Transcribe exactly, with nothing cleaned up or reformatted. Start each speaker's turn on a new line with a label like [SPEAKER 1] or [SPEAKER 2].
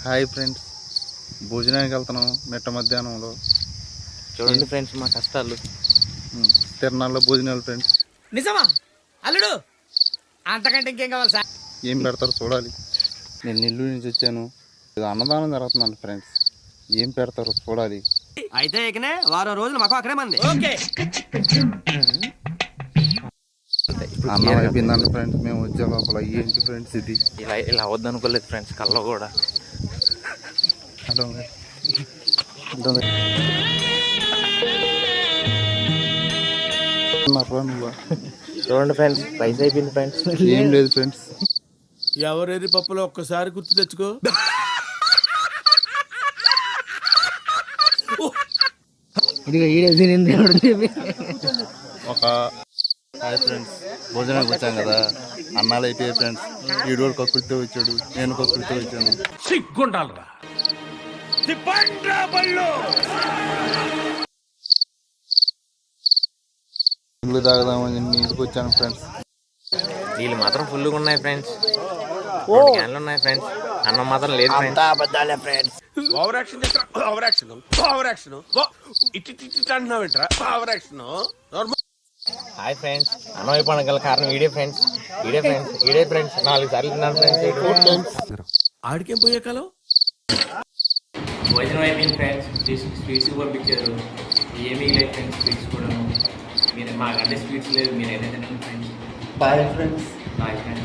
[SPEAKER 1] Hi friends, భోజనానికి వెళ్తున్నాం మిట్ట మధ్యాహ్నంలో.
[SPEAKER 2] చూడండి ఫ్రెండ్స్ మా కష్టాలు.
[SPEAKER 1] తిరణాల్లో భోజనాలు ఫ్రెండ్స్.
[SPEAKER 3] నిజమా అల్లుడు? అంతకంటే ఇంకేం కావాలి సార్?
[SPEAKER 1] ఏం పెడతారో చూడాలి. నేను నెల్లూరు నుంచి వచ్చాను. ఇది అన్నదానం జరుగుతుందండి ఫ్రెండ్స్. ఏం పెడతారో చూడాలి.
[SPEAKER 3] అయితే ఇకనే వారం రోజులు మాకు అక్కడే మంది. ఓకే
[SPEAKER 1] అన్నం అయిపోయిందండి ఫ్రెండ్స్. మేము వచ్చే లోపల ఏంటి ఫ్రెండ్స్ ఇది?
[SPEAKER 2] ఇలా ఇలా అవద్దు అనుకోలేదు ఫ్రెండ్స్, కల్లో కూడా చూడండి ఫ్రెండ్స్, రైస్ అయిపోయింది ఫ్రెండ్స్.
[SPEAKER 1] ఏం లేదు ఫ్రెండ్స్.
[SPEAKER 4] ఎవరేది పప్పులో ఒక్కసారి గుర్తు తెచ్చుకో.
[SPEAKER 1] ఒక హాయ్ ఫ్రెండ్స్, భోజనానికి వచ్చాం కదా. అన్నాలు అయిపోయాయి ఫ్రెండ్స్. ఈడోడు కక్కుడితో వచ్చాడు, నేను కక్కుడితో వచ్చాను.
[SPEAKER 4] సిగ్గుండాలరా
[SPEAKER 1] ఇల్లు తాగదామని ఇంటికి వచ్చాను ఫ్రెండ్స్.
[SPEAKER 2] నీళ్ళు మాత్రం ఫుల్గా ఉన్నాయి ఫ్రెండ్స్. క్యాన్లు ఉన్నాయి ఫ్రెండ్స్. అన్నం మాత్రం లేదు ఫ్రెండ్స్.
[SPEAKER 4] ఓవర్ యాక్షన్ చేస్తా. ఓవర్ యాక్షన్ ఓవర్ యాక్షన్ ఇటు ఇటు అంటున్నావు ఏంట్రా? Over action.
[SPEAKER 2] హాయ్ ఫ్రెండ్స్, అన్నం అయిపోవడం గల కారణం video friends. Video friends video friends నాలుగు సార్లు తిన్నాను ఫ్రెండ్స్.
[SPEAKER 4] ఆడికేం పోయే కాలం.
[SPEAKER 2] భోజనం అయిపోయింది ఫ్రెండ్స్. స్వీట్స్ పంపించారు. ఏమీ లేదు ఫ్రెండ్స్. స్వీట్స్ కూడా మీరు మాకంటే స్వీట్స్ లేదు. మీరు ఏదైతే friends.
[SPEAKER 1] Boy friends.
[SPEAKER 2] Boy friends.